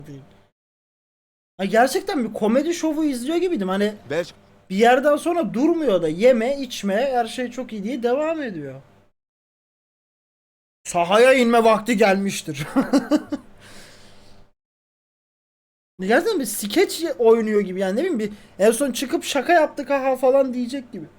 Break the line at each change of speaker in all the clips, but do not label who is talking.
değil. Ha, gerçekten bir komedi şovu izliyor gibiydim. Hani
Belçika
bir yerden sonra durmuyor da yeme içme her şey çok iyi diye devam ediyor. Sahaya inme vakti gelmiştir. Gerçekten bir skeç oynuyor gibi yani, ne bileyim, bir en son çıkıp şaka yaptık ha falan diyecek gibi.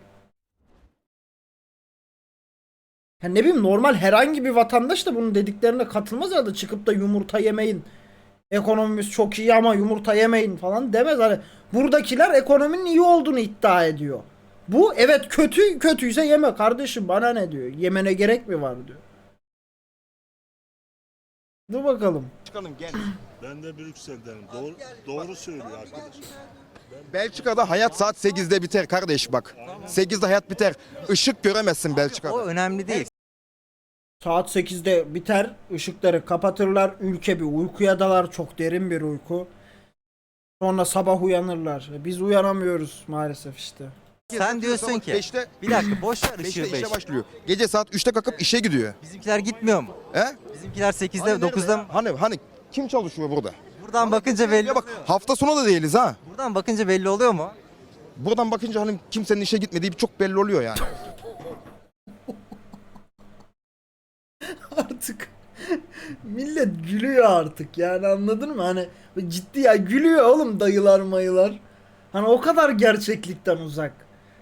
Yani ne bileyim, normal herhangi bir vatandaş da bunun dediklerine katılmaz ya da çıkıp da yumurta yemeyin, ekonomimiz çok iyi ama yumurta yemeyin falan demez. Hani buradakiler ekonominin iyi olduğunu iddia ediyor. Bu evet kötüyse yeme kardeşim, bana ne diyor. Yemene gerek mi var diyor. Dur bakalım.
Belçika'nın genç.
Ben de Brüksel'denim. Doğru söylüyor arkadaş.
Belçika'da hayat saat 8'de biter kardeş bak. 8'de hayat biter. Işık göremezsin
O
Belçika'da.
önemli değil.
Saat 8'de biter, ışıkları kapatırlar, ülke bir uykuya dalar, çok derin bir uyku. Sonra sabah uyanırlar. Biz uyanamıyoruz maalesef işte.
Sen diyorsun ki
5'te
bir dakika boş ver
5'te
ışığı
işe
5.
başlıyor. Gece saat 3'te kalkıp işe gidiyor.
Bizimkiler gitmiyor mu?
He?
Bizimkiler 8'de
Hani
9'da mı?
Hani kim çalışıyor burada?
Buradan bakınca belli.
Ya bak hafta sonu da değiliz ha.
Buradan bakınca belli oluyor mu?
Buradan bakınca hani kimsenin işe gitmediği çok belli oluyor yani.
Artık millet gülüyor artık yani, anladın mı? Hani ciddi ya, gülüyor oğlum dayılar mayılar. Hani o kadar gerçeklikten uzak.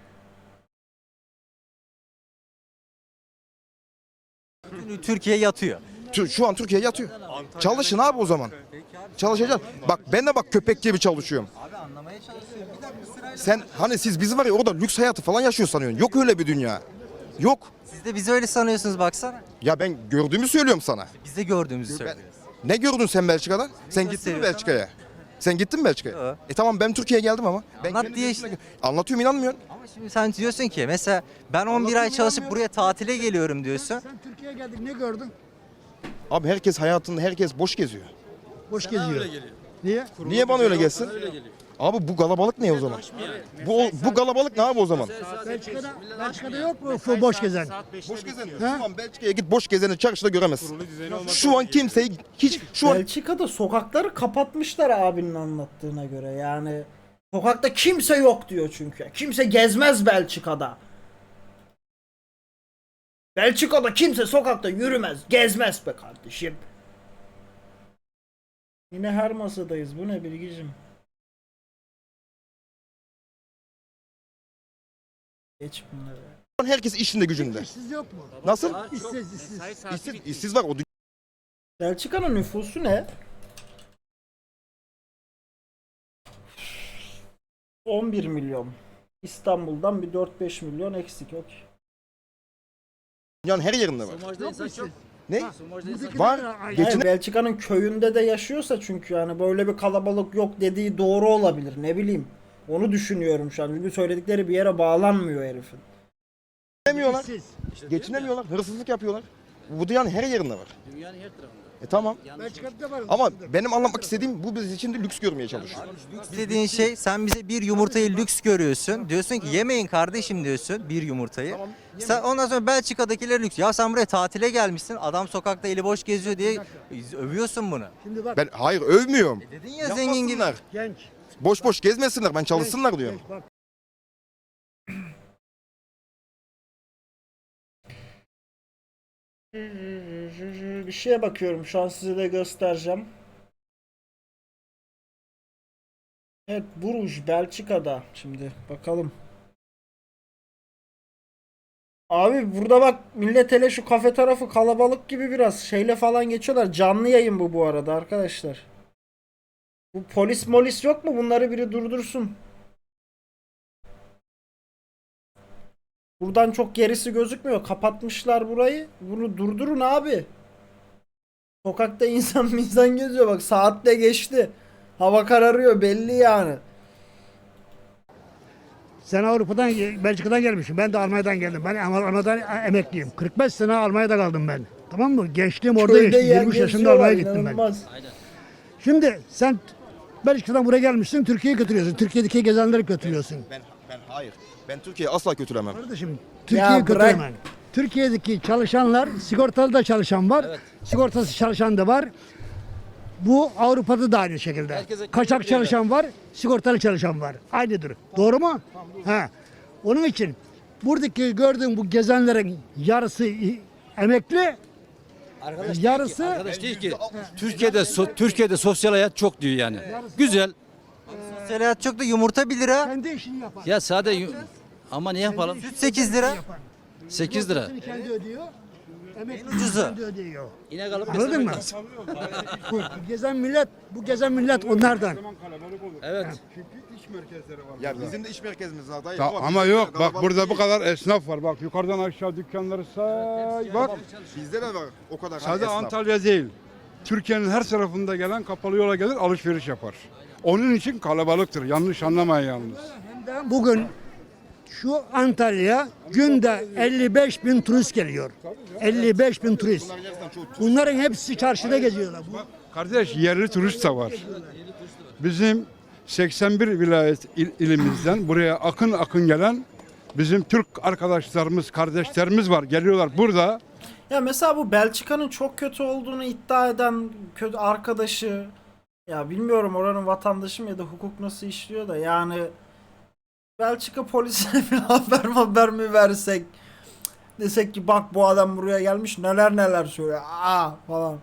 Bütün Türkiye yatıyor.
Şu an Türkiye yatıyor. Çalışın abi o zaman. Çalışacaksın. Bak ben de bak köpek gibi çalışıyorum.
Abi anlamaya çalışıyorum. Bir dakika sırayla.
Sen hani siz bizi var ya orada lüks hayatı falan yaşıyor sanıyorsun. Yok öyle bir dünya. Yok.
Siz de bizi öyle sanıyorsunuz baksana.
Ya ben gördüğümü söylüyorum sana.
Biz de gördüğümüzü söylüyoruz.
Ne gördün sen Belçika'da? Sen gittin mi
gösteriyor?
Belçika'ya? Sen gittin mi Belçika'ya?
Yok.
Tamam ben Türkiye'ye geldim ama. Ben
Anlat
kendi
diye
gözümle
işte.
Anlatıyorum, inanmıyorsun.
Ama şimdi sen diyorsun ki mesela ben 11 ay
Anlatıyorum,
çalışıp
inanmıyorum.
buraya tatile geliyorum diyorsun.
Sen Türkiye'ye geldik ne gördün?
Abi herkes hayatında herkes boş geziyor.
Boş geziyor. Niye?
Niye bana öyle gelsin? Abi bu galabalık ne o zaman? Bu galabalık ne abi o zaman?
Belçika'da yok mu boş gezen?
Boş gezen.
Ha?
Şu an Belçika'ya git boş gezeni çarşıda göremezsin. Şu an kimseyi şu an
Belçika'da sokakları kapatmışlar abinin anlattığına göre. Yani sokakta kimse yok diyor çünkü. Kimse gezmez Belçika'da. Belçika'da kimse sokakta yürümez, gezmez be kardeşim. Yine her masadayız. Bu ne Bilgicim? Geç bunları.
herkes işinde gücünde.
İşsiz yok mu?
Nasıl?
İşsiz.
İşsiz var o.
Belçika'nın nüfusu ne? 11 milyon. İstanbul'dan bir 4-5 milyon eksik yok.
Dünyanın her yerinde var.
Yok mu işsiz?
Ne?
Buradakiler
Var.
de-
Hayır, Belçika'nın köyünde de yaşıyorsa çünkü yani böyle bir kalabalık yok dediği doğru olabilir, ne bileyim. Onu düşünüyorum şu an. Çünkü söyledikleri bir yere bağlanmıyor herifin.
Geçinemiyorlar.
İşsiz.
Geçinemiyorlar. Hırsızlık yapıyorlar. Bu dünyanın her yerinde var. Dünyanın her tarafında. Tamam.
Belçika'da da var.
Ama benim anlatmak istediğim bu biz için de lüks görmeye çalışıyor.
Lüks dediğin şey sen bize bir yumurtayı lüks görüyorsun. Diyorsun ki yemeyin kardeşim diyorsun bir yumurtayı. Sen ondan sonra Belçika'dakiler lüks. Ya sen buraya tatile gelmişsin. Adam sokakta eli boş geziyor diye övüyorsun bunu.
Şimdi bak
Ben hayır övmüyorum.
Dedin ya zengin gibi.
Yapmasınlar.
genç.
Boş boş gezmesinler. Ben çalışsınlar diyorum.
Genç, bak.
Bir şeye bakıyorum şu an, size de göstereceğim. Evet, Bruges Belçika'da. Şimdi bakalım. Abi burada bak, millet hele şu kafe tarafı kalabalık gibi, biraz şeyle falan geçiyorlar. Canlı yayın bu arada arkadaşlar. Bu polis molis yok mu? Bunları biri durdursun. Buradan çok gerisi gözükmüyor. Kapatmışlar burayı. Bunu durdurun abi. Sokakta insan geziyor. Bak saat de geçti. Hava kararıyor belli yani.
Sen Avrupa'dan, Belçika'dan gelmişsin. Ben de Almanya'dan geldim. Ben Almanya'dan emekliyim. 45 sene Almanya'da kaldım ben. Tamam mı? Gençliğim orada
Köyde
geçti.
yer
23 yaşında
geziyorlar,
Almanya'ya gittim ben.
inanılmaz.
Şimdi sen Belçika'dan buraya gelmişsin. Türkiye'yi götürüyorsun. Türkiye'deki gezenleri götürüyorsun.
Ben hayır. Ben Türkiye'yi asla kötülemem.
Kardeşim Türkiye'yi
bırak.
götüremem. Türkiye'deki çalışanlar, sigortalı da çalışan var. Sigortasız çalışan da var. Bu Avrupa'da da aynı şekilde.
Herkese
Kaçak çalışan var, sigortalı çalışan var. Aynıdır. Doğru mu? Ha. Onun için buradaki gördüğün bu gezenlerin yarısı emekli, yarısı
Arkadaş değil ki. Türkiye'de sosyal hayat çok diyor yani. Güzel.
Sosyal hayat çok da yumurta 1 lira,
kendi işini yapar.
Ya sade ama ne yapalım?
süt 8 lira.
8 lira.
Sigortasını kendi ödüyor. Emekli
ucuzu.
kendi ödüyor.
İnek alıp
Anladın mı? Bu gezen millet onlardan.
Evet.
Ya bizim de iş merkezimiz var dayı.
Ama yok bak burada bu kadar esnaf var. Bak yukarıdan aşağı dükkanları say. Bak
Bizde de var o kadar.
sadece
esnaf.
Antalya değil. Türkiye'nin her tarafında gelen kapalı yola gelir alışveriş yapar. Onun için kalabalıktır. Yanlış anlamayın yalnız.
Hem de bugün şu Antalya günde 55 bin turist geliyor. 55 bin turist. Bunların hepsi çarşıda geziyorlar.
Kardeş yerli turist de var. Bizim 81 vilayet ilimizden buraya akın akın gelen bizim Türk arkadaşlarımız, kardeşlerimiz var. Geliyorlar burada.
Ya mesela bu Belçika'nın çok kötü olduğunu iddia eden kötü arkadaşı, ya bilmiyorum oranın vatandaşı mı ya da hukuk nasıl işliyor da, yani Belçika polisine bir haber mi versek, desek ki bak bu adam buraya gelmiş neler neler söylüyor falan.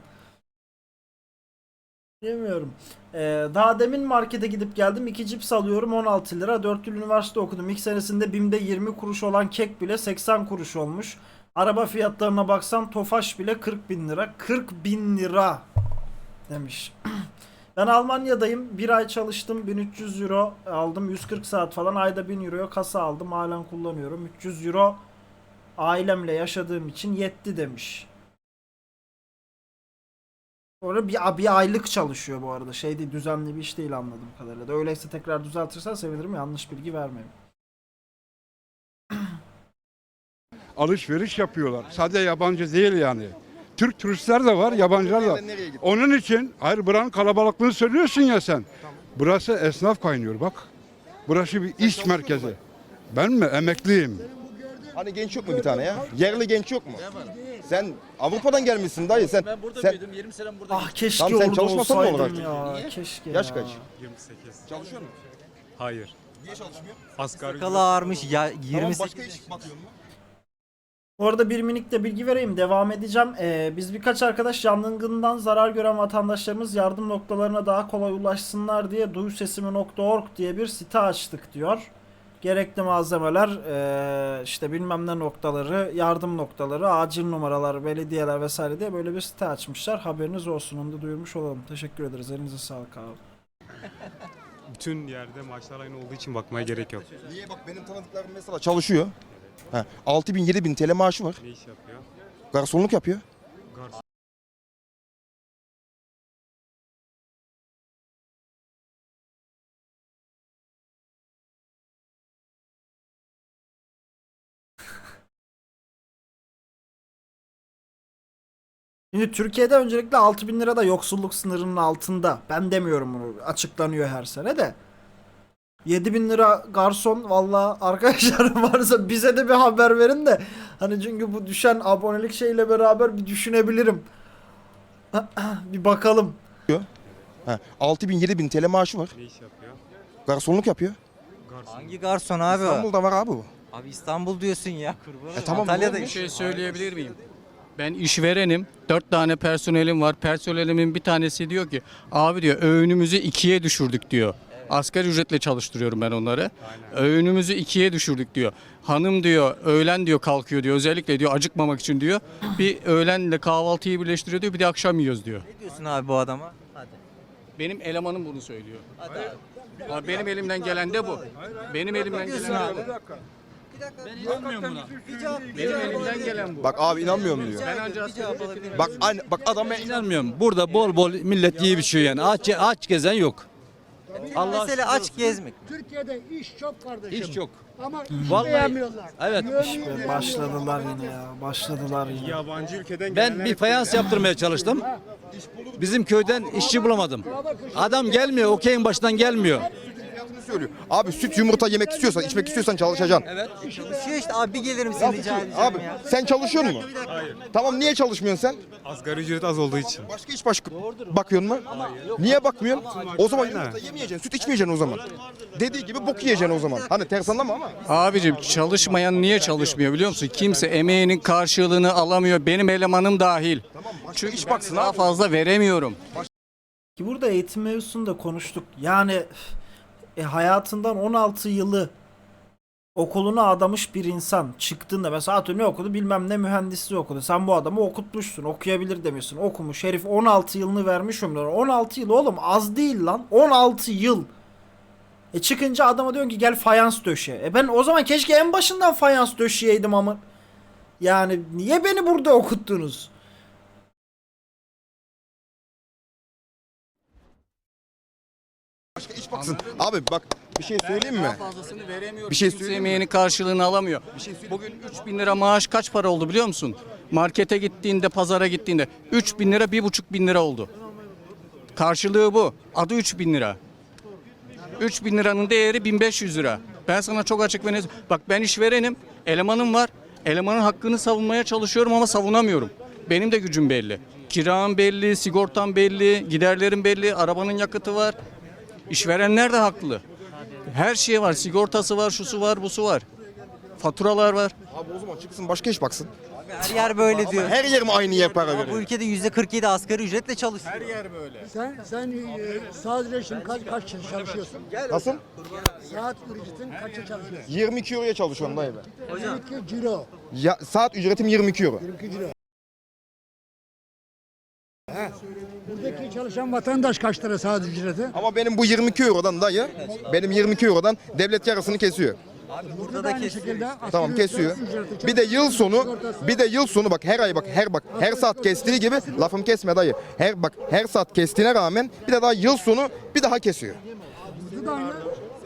Bilmiyorum. Daha demin markete gidip geldim. 2 cips alıyorum 16 lira. 4 yıl üniversite okudum. İlk senesinde BİM'de 20 kuruş olan kek bile 80 kuruş olmuş. Araba fiyatlarına baksan Tofaş bile 40 bin lira. 40 bin lira demiş. Ben Almanya'dayım. Bir ay çalıştım. 1300 euro aldım. 140 saat falan. Ayda 1000 euroya kasa aldım. Halen kullanıyorum. 300 euro ailemle yaşadığım için yetti demiş. Orada bir aylık çalışıyor bu arada. Şey değil, düzenli bir iş değil anladığım kadarıyla. Da öyleyse tekrar düzeltirsen sevinirim. Yanlış bilgi vermeyeyim.
Alışveriş yapıyorlar. Sadece yabancı değil yani. Türk turistler de var, yabancılar da.
Nereye gitti?
Onun için hayır buranın kalabalıklığını söylüyorsun ya sen. Burası esnaf kaynıyor bak. Burası bir iş merkezi. Ben mi? Emekliyim.
Hani genç yok mu bir tane ya? Yerli genç yok mu? Sen Avrupa'dan gelmişsin dayı sen.
Ben burada
sen
büyüdüm. 20 sene burada.
Ah keşke
Tamam, sen
orada
çalışmasan ne
olsaydım
olacaktı?
ya. Keşke
Yaş
ya.
kaç?
28.
Çalışıyor musun?
Hayır.
Niye çalışmıyor?
Asgari
Sakalı ağarmış ya
Tamam
28.
başka iş bakıyor mu?
Bu arada bir minik de bilgi vereyim. Devam edeceğim. Biz birkaç arkadaş yangından zarar gören vatandaşlarımız yardım noktalarına daha kolay ulaşsınlar diye duyusesimi.org diye bir site açtık diyor. Gerekli malzemeler, işte bilmem ne noktaları, yardım noktaları, acil numaralar, belediyeler vesaire diye böyle bir site açmışlar. Haberiniz olsun, onu da duyurmuş olalım. Teşekkür ederiz. Elinize sağlık abi.
bütün yerde maaşlar aynı olduğu için bakmaya gerek yok.
Niye bak benim tanıdıklarım mesela çalışıyor. 6.000-7.000 TL maaşı var.
Ne iş yapıyor?
Garsonluk yapıyor.
Garson.
Şimdi Türkiye'de öncelikle 6.000 lira da yoksulluk sınırının altında. Ben demiyorum bunu. Açıklanıyor her sene de. 7.000 lira garson, valla arkadaşlarım varsa bize de bir haber verin de. Hani çünkü bu düşen abonelik şeyle beraber bir düşünebilirim. Bir bakalım.
6.000-7.000 TL maaşı var.
Ne iş yapıyor?
Garsonluk yapıyor.
Garson.
Hangi garson abi o?
İstanbul'da var abi bu.
Abi İstanbul diyorsun ya. Kurban olayım.
tamam,
Antalya'da
doğru.
Bir şey söyleyebilir miyim? Ben işverenim. 4 tane personelim var. Personelimin bir tanesi diyor ki abi diyor öğünümüzü 2'ye düşürdük diyor. Asgari ücretle çalıştırıyorum ben onları. Öğünümüzü 2'ye düşürdük diyor. Hanım diyor öğlen diyor kalkıyor diyor. Özellikle diyor acıkmamak için diyor. Bir öğlenle kahvaltıyı birleştiriyor diyor. Bir de akşam yiyoruz diyor.
Ne diyorsun abi bu adama? Hadi.
Benim elemanım bunu söylüyor.
Hadi.
Ama benim elimden gelen de bu. Benim elimden
diyorsun
gelen
abi?
de bu. Ben inanmıyorum buna.
Bir cevap,
Benim elimden gelen bu.
Bak abi inanmıyorum diyor.
Ben ancak
bir cevap alabilir miyim?
Bak aynı bak adam ben
İnanmıyorum. Burada bol bol millet yiyip içiyor yani. Aç gezen yok. Allah
Mesele aç gezmek.
Türkiye'de iş çok kardeşim.
hiç yok.
Ama iş
Vallahi-
beğenmiyorlar.
Evet.
Başladılar yine ya. Başladılar yine.
Yabancı ülkeden
Ben bir fayans yaptırmaya çalıştım. Bizim köyden işçi bulamadım. Adam gelmiyor, okeyin başından gelmiyor.
söylüyor. Abi süt yumurta yemek istiyorsan, içmek istiyorsan çalışacaksın.
Çalışıyor işte abi, bir gelir misin rica edeceğim
Abi
ya.
sen çalışıyor musun? Hayır. Tamam, niye çalışmıyorsun sen?
Asgari ücret az olduğu için.
Başka hiç bakıyorsun mu? Niye bakmıyorsun? O zaman yumurta yemeyeceksin, süt içmeyeceksin o zaman. Dediği gibi bok yiyeceksin o zaman. Hani ters anlama ama.
Abicim çalışmayan niye çalışmıyor biliyor musun? Kimse emeğinin karşılığını alamıyor. Benim elemanım dahil. Çünkü
iş baksın
daha
abi.
fazla veremiyorum.
Ki burada eğitim mevzusunda konuştuk. Yani hayatından 16 yılı okuluna adamış bir insan çıktığında mesela atıyorum ne okudu, bilmem ne mühendisliği okudu. Sen bu adamı okutmuşsun, okuyabilir demiyorsun. Okumuş herif, 16 yılını vermiş ömrüne. 16 yıl oğlum az değil lan. 16 yıl. Çıkınca adama diyorsun ki gel fayans döşe. Ben o zaman keşke en başından fayans döşeyeydim ama. Yani niye beni burada okuttunuz?
Başka iş baksın. Abi bak bir şey söyleyeyim mi?
Daha fazlasını veremiyorum.
Bir şey
Kimse
söyleyeyim mi?
emeğinin karşılığını alamıyor. Bugün 3.000 lira maaş kaç para oldu biliyor musun? Markete gittiğinde, pazara gittiğinde 3.000 lira, 1.500 lira oldu. Karşılığı bu. Adı 3.000 lira. 3.000 liranın değeri 1.500 lira. Ben sana çok açık ve net. Bak ben işverenim, elemanım var. Elemanın hakkını savunmaya çalışıyorum ama savunamıyorum. Benim de gücüm belli. Kiram belli, sigortam belli, giderlerim belli, arabanın yakıtı var. İşverenler de haklı. Her şey var, sigortası var, şusu var, busu var. Faturalar var.
Abi o zaman çıksın başka iş baksın.
Her yer böyle diyor.
Her yer mi aynı yer para
Ama bu
veriyor?
ülkede %47 asgari ücretle çalışıyor.
Her yer böyle.
Sen sadece şimdi kaç çalışıyorsun?
Nasıl?
Saat ücretin kaça çalışıyorsun?
22 euroya çalışıyorum dayı ben.
22 ciro.
Ya, saat ücretim 22 euro.
22 ciro. Buradaki çalışan vatandaş kaç lira saat ücreti?
Ama benim bu 22 eurodan dayı, benim 22 eurodan devlet yarısını kesiyor.
Burada da
Aynı
kesiyor.
şekilde
Tamam,
asgari
kesiyor.
ücreti
Bir de yıl sonu,
sigortası-
bir de yıl sonu bak her ay bak her saat kestiği gibi lafım kesme dayı. Her saat kestiğine rağmen bir de daha yıl sonu bir daha kesiyor.
Burada da aynı.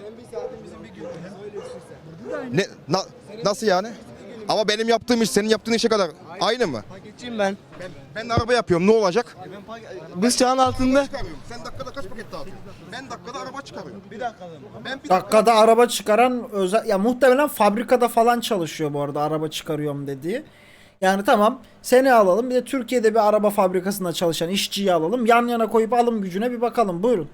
Nasıl yani? Ama benim yaptığım iş senin yaptığın işe kadar aynı mı?
Paketçiyim ben.
Ben araba yapıyorum, ne olacak?
Biz çağın altında.
Sen dakikada kaç paket dağıtıyorsun? Ben dakikada araba çıkarıyorum. Bir dakikada. Ben bir
Dakikada araba çıkaran özel, ya muhtemelen fabrikada falan çalışıyor bu arada araba çıkarıyorum dediği. Yani tamam, seni alalım, bir de Türkiye'de bir araba fabrikasında çalışan işçiyi alalım, yan yana koyup alım gücüne bir bakalım, buyurun.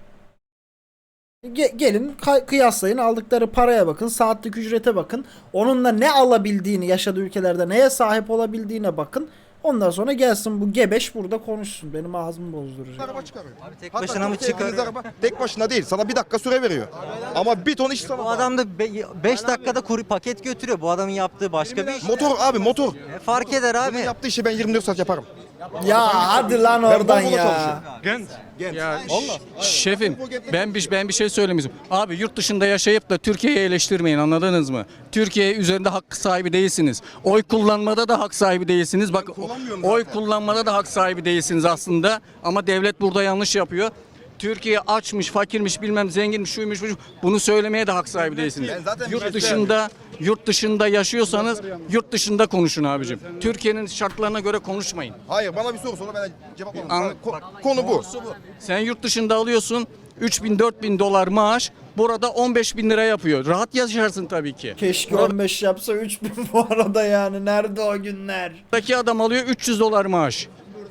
Gelin kıyaslayın, aldıkları paraya bakın, saatlik ücrete bakın, onunla ne alabildiğini, yaşadığı ülkelerde neye sahip olabildiğine bakın. Ondan sonra gelsin bu gebeş burada konuşsun, benim ağzımı bozduracak.
araba çıkarıyorum.
Tek
Hatta
başına mı
Türkiye'ye
çıkarıyor?
gittiğiniz araba tek başına değil, sana bir dakika süre veriyor. Ama bir ton iş sana.
Bu adam da 5 dakikada kuru paket götürüyor. Bu adamın yaptığı başka bir iş.
Motor abi, motor.
Fark eder abi.
Bunun yaptığı işi ben 24 saat yaparım.
Ya hadi lan oradan
Volvo'da
ya.
çalışıyorum.
Ya şefim ben bir şey söylemeyeceğim. Abi yurt dışında yaşayıp da Türkiye'yi eleştirmeyin, anladınız mı? Türkiye üzerinde hak sahibi değilsiniz. Oy kullanmada da hak sahibi değilsiniz. Bak oy kullanmada da hak sahibi değilsiniz aslında. Ama devlet burada yanlış yapıyor. Türkiye açmış, fakirmiş, bilmem zenginmiş, şuymuş, buymuş. Bunu söylemeye de hak sahibi değilsiniz. Yurt dışında yaşıyorsanız yurt dışında konuşun abicim. Türkiye'nin şartlarına göre konuşmayın.
Hayır, bana bir soru sonra ben cevap alayım.
Anla-
Konu bu.
Sen yurt dışında alıyorsun 3.000-4.000 dolar maaş. Burada 15.000 lira yapıyor. Rahat yaşarsın tabii ki.
Keşke 15 yapsa 3000 bu arada, yani nerede o günler?
Buradaki adam alıyor 300 dolar maaş.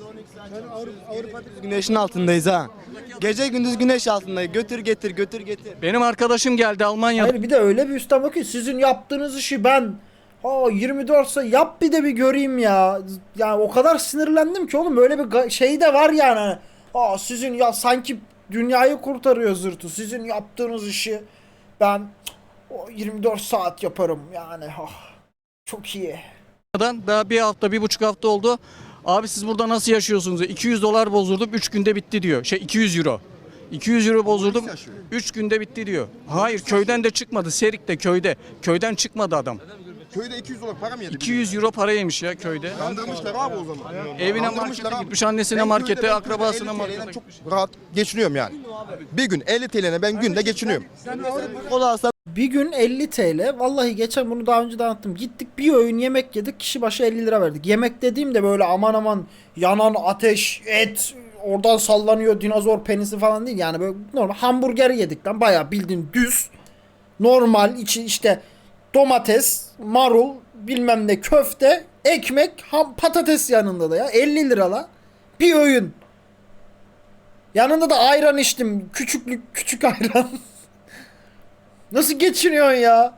Güneşin altındayız ha. Gece gündüz güneş altındayız. Götür getir götür getir.
Benim arkadaşım geldi Almanya'da.
Hayır, bir de öyle bir üstten bakıyor. Sizin yaptığınız işi ben 24 saat yap bir de bir göreyim ya. Yani o kadar sinirlendim ki oğlum, böyle bir şey de var yani. Sizin ya sanki dünyayı kurtarıyor zırtı. Sizin yaptığınız işi ben 24 saat yaparım yani. Çok iyi.
Daha bir hafta, 1,5 hafta oldu. Abi siz burada nasıl yaşıyorsunuz? 200 dolar bozdurdum 3 günde bitti diyor. 200 euro. 200 euro bozdurdum 3 günde bitti diyor. Hayır, köyden de çıkmadı. Serik'te köyde. Köyden çıkmadı adam.
Köyde 200 dolar para mı yedi?
200 euro para yemiş ya köyde.
Kandırmışlar abi o zaman.
Evine
Kandırmışlar
markete
abi.
gitmiş, annesine
Ben
markete,
köyde
akrabasına
50
markete
TL'den
gitmiş.
çok rahat geçiniyorum yani. Bir gün 50 TL'ne ben günde geçiniyorum.
Kola alsam
Bir gün 50 TL. Vallahi geçen bunu daha önce de anlattım. Gittik bir öğün yemek yedik. Kişi başı 50 lira verdik. Yemek dediğim de böyle aman aman yanan ateş, et, oradan sallanıyor dinozor penisi falan değil. Yani böyle normal hamburger yedik lan. Bayağı bildiğin düz. Normal içi işte domates, marul, bilmem ne köfte, ekmek, patates yanında da ya. 50 lira la. Bir öğün. Yanında da ayran içtim. Küçük ayran. Nasıl geçiniyorsun ya?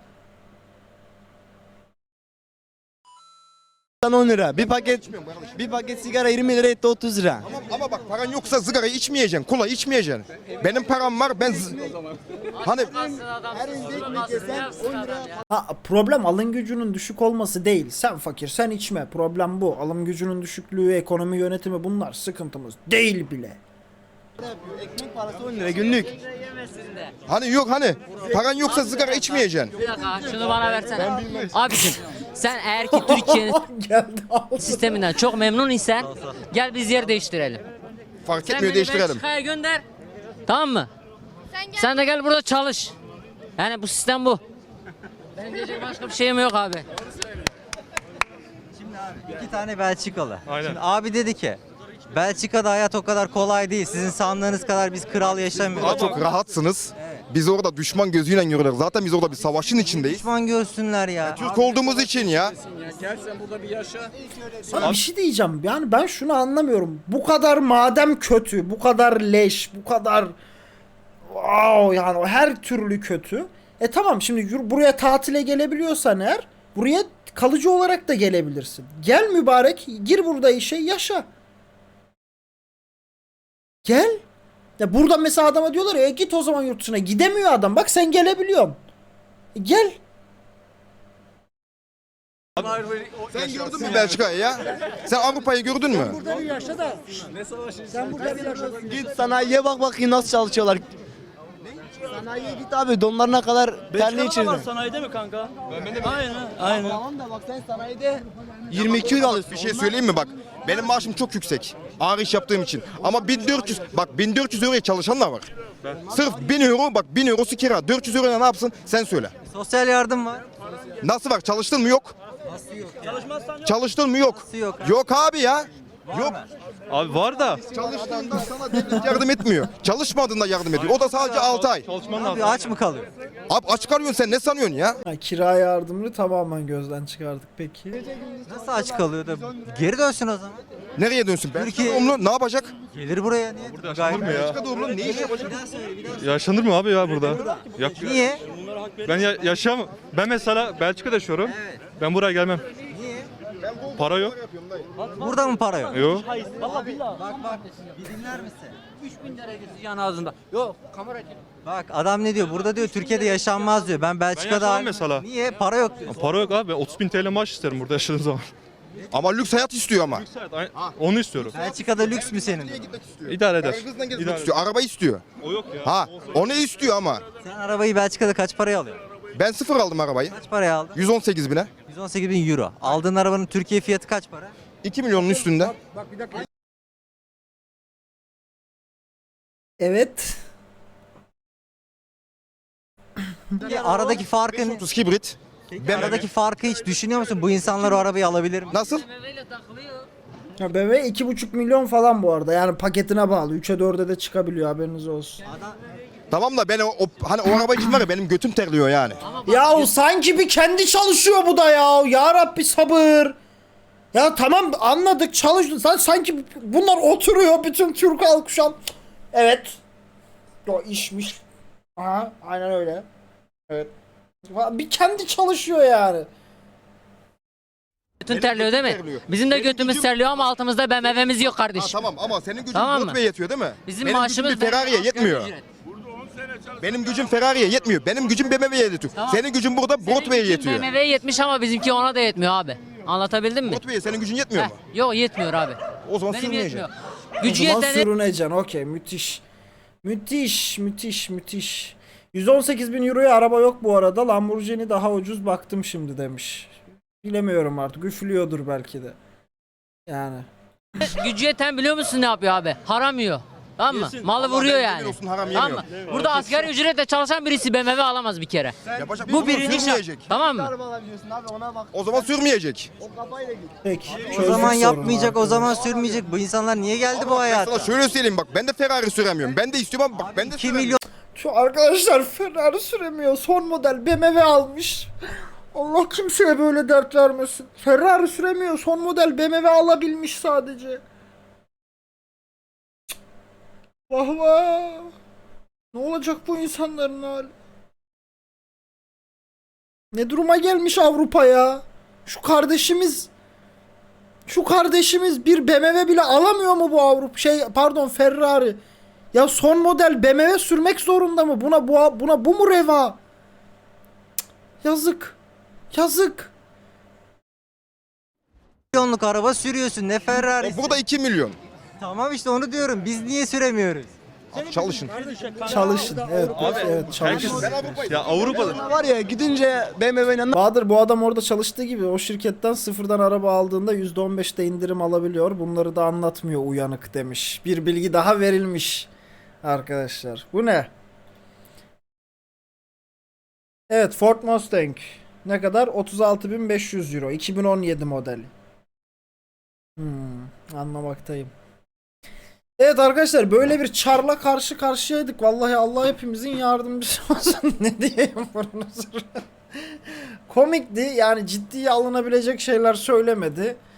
10 lira. Bir paket sigara 20 lira etti 30 lira.
Ama bak paran yoksa sigarayı içmeyeceksin, kola içmeyeceksin. Benim param var, hani
Ha, problem alım gücünün düşük olması değil. Sen fakir, sen içme. Problem bu. Alım gücünün düşüklüğü, ekonomi yönetimi bunlar sıkıntımız değil bile.
Ekmek parası 10 lira günlük.
hani yok hani paran yoksa sigara içmeyeceksin.
Bir dakika şunu bana versene. Abiciğim sen eğer ki Türkiye'nin
Geldi aldı.
sisteminden çok memnun isen gel biz yer değiştirelim.
Fark
Sen
etmiyor,
beni
değiştirelim.
Belçika'ya gönder. Tamam mı? Sen de gel burada çalış. Yani bu sistem bu. Benim diyecek başka bir şeyim yok abi.
Şimdi abi 2 tane Belçikalı. Şimdi abi dedi ki Belçika'da hayat o kadar kolay değil. Sizin sandığınız kadar biz kral yaşamıyoruz.
Daha çok rahatsınız. Biz orada düşman gözüyle görüyoruz. Zaten biz orada bir savaşın içindeyiz.
Düşman görsünler ya.
Türk olduğumuz için ya.
Sana bir şey diyeceğim. Yani ben şunu anlamıyorum. Bu kadar madem kötü, bu kadar leş, bu kadar wow, yani o her türlü kötü. Tamam şimdi buraya tatile gelebiliyorsan eğer buraya kalıcı olarak da gelebilirsin. Gel mübarek, gir burada işe, yaşa. Gel. Ya burada mesela adama diyorlar ya git o zaman yurt dışına. Gidemiyor adam. Bak sen gelebiliyorsun. Gel.
Sen gördün mü Belçika'yı ya? Sen Avrupa'yı gördün mü?
Burada bir yaşa da. Sen burada bir yaşa.
Git sanayiye bak bakayım nasıl çalışıyorlar. Sanayiye git abi donlarına kadar terli içirdin.
Sanayide mi kanka? Aynen.
Tamam da bak sen sanayide 22 euro alıyorsun.
Bir şey söyleyeyim mi bak? Benim maaşım çok yüksek. Ağır iş yaptığım için. Ama 1400 euroya çalışanlar var. Sırf 1000 euro bak 1000 eurosu kira. 400 euroya ne yapsın? Sen söyle.
Sosyal yardım var.
Nasıl var? Çalıştın mı? Yok. Çalıştın mı? Yok.
Nasıl yok?
Yok abi ya. Yok.
Abi var da.
Çalıştığında sana devlet yardım etmiyor. Çalışmadığında yardım ediyor. O da sadece 6 ay.
Çalışman
Abi aç mı kalıyor?
Abi aç kalıyorsun sen ne sanıyorsun ya?
Ha, kira yardımını tamamen gözden çıkardık peki.
Nasıl aç kalıyor da geri dönsün o zaman.
Nereye dönsün?
Türkiye-
Belçika doğumlu ne yapacak?
Gelir buraya niye? Gayet-
Belçika doğumlu ne iş yapacak?
Yaşanır mı abi ya burada?
Niye?
Ben yaşayamam. Ben mesela Belçika'da yaşıyorum. Ben buraya gelmem.
Niye?
Para yok.
Burada mı para yok?
Yok.
Bak bir dinler misin?
3000 derecesi yan ağzında. Yok kamera çek.
Bak adam ne diyor? Burada diyor Türkiye'de yaşanmaz diyor. Ben Belçika'da...
yaşamam mesela.
Niye? Para yok diyor.
Para yok abi. 30.000 TL maaş isterim burada yaşadığım zaman.
Ama lüks hayat istiyor ama.
Onu istiyorum.
Belçika'da lüks mü senin?
İdare eder.
Kızla gezmek
İdare
istiyor. Araba istiyor.
O yok ya.
Ha, onu istiyor ama.
Sen arabayı Belçika'da kaç paraya alıyorsun?
Ben sıfır aldım arabayı.
Kaç paraya aldın?
118 bine.
118.000 euro. Aldığın arabanın Türkiye fiyatı kaç para?
2 milyonun üstünde.
Evet.
Peki aradaki farkın
30 hibrit.
aradaki farkı hiç düşünüyor musun? Bu insanlar o arabayı alabilir mi?
Nasıl?
Memeyle takılıyor.
Ya BMW 2,5 milyon falan bu arada. Yani paketine bağlı. 3'e 4'e de çıkabiliyor haberiniz olsun.
Tamam da ben hani o araba için var ya benim götüm terliyor yani.
Ya sanki bir kendi çalışıyor bu da ya. Ya Rabbi sabır. Ya tamam anladık çalıştın. Sen sanki bunlar oturuyor bütün Türk halkı şu an. Evet. O işmiş. Aha aynen öyle. Evet. Bir kendi çalışıyor yani.
Götün terliyor değil mi?
terliyor.
Bizim de
Benim
götümüz
gücüm-
terliyor ama altımızda BMW'miz yok
Ha,
kardeşim.
tamam ama senin gücün
Tamam mı?
Broadway'e yetiyor değil mi?
Bizim
benim
maaşımız
gücüm bir Ferrari'ye yetmiyor.
ücret.
Benim gücüm Ferrari'ye yetmiyor. Benim gücüm BMW'ye yetiyor.
Tamam.
Senin gücün burada Broadway'e
Senin gücün
yetiyor.
BMW'ye yetmiş ama bizimki ona da yetmiyor abi. Anlatabildim mi?
Broadway'e senin gücün yetmiyor
Heh,
mu?
yok yetmiyor abi.
O zaman
Benim
sürmeyeceksin.
yetmiyor.
O
Gücü
zaman
yeteni
sürüneceksin. Okey müthiş. Müthiş. 118 bin euroya araba yok bu arada. Lamborghini daha ucuz baktım şimdi demiş. Bilemiyorum artık. Üflüyordur belki de. Yani.
gücü yeten biliyor musun ne yapıyor abi? Haram yiyor. Tamam mı?
Yesin.
Malı
Allah
vuruyor
ben
yani.
yemin olsun haram
Tamam mı?
yemiyorum.
Burada asgari ücretle çalışan birisi BMW alamaz bir kere.
Yapacak
Bu
bir şey
birinci şart.
sürmeyecek.
Tamam mı?
Araba alabiliyorsun abi ona bak.
O zaman sürmeyecek.
O kafayla git.
Peki.
O
çözdük
zaman
sorunu
yapmayacak, o
arkadaşlar.
zaman sürmeyecek. Bu insanlar niye geldi
Ama
bu
bak ben
hayata?
sana şöyle söyleyeyim bak ben de Ferrari süremiyorum. Ben de istiyorum ama bak ben de
2
süremiyorum.
milyon
Şu arkadaşlar Ferrari süremiyor. Son model BMW almış. Allah kimseye böyle dert vermesin. Ferrari süremiyor. Son model BMW alabilmiş sadece. Cık. Vah vah. Ne olacak bu insanların hali? Ne duruma gelmiş Avrupa ya? Şu kardeşimiz bir BMW bile alamıyor mu bu Avrupa? Ferrari. Ya son model BMW sürmek zorunda mı? Buna bu mu reva? Cık, yazık. Yazık.
milyonluk araba sürüyorsun. Ne Ferrari?
Burada 2 milyon.
Tamam işte onu diyorum. Biz niye süremiyoruz?
Abi çalışın.
Çalışın. Evet, evet çalışın.
Ya Avrupa'da
Var ya gidince BMW'nin
Bahadır bu adam orada çalıştığı gibi o şirketten sıfırdan araba aldığında %15'te indirim alabiliyor. Bunları da anlatmıyor uyanık demiş. Bir bilgi daha verilmiş arkadaşlar. Bu ne? Evet Ford Mustang. Ne kadar? 36.500 euro. 2017 modeli. Anlamaktayım. Evet arkadaşlar böyle bir çarla karşı karşıyaydık. Vallahi Allah hepimizin yardımcısı olsun. Ne diyeyim bunun Komikti yani ciddiye alınabilecek şeyler söylemedi.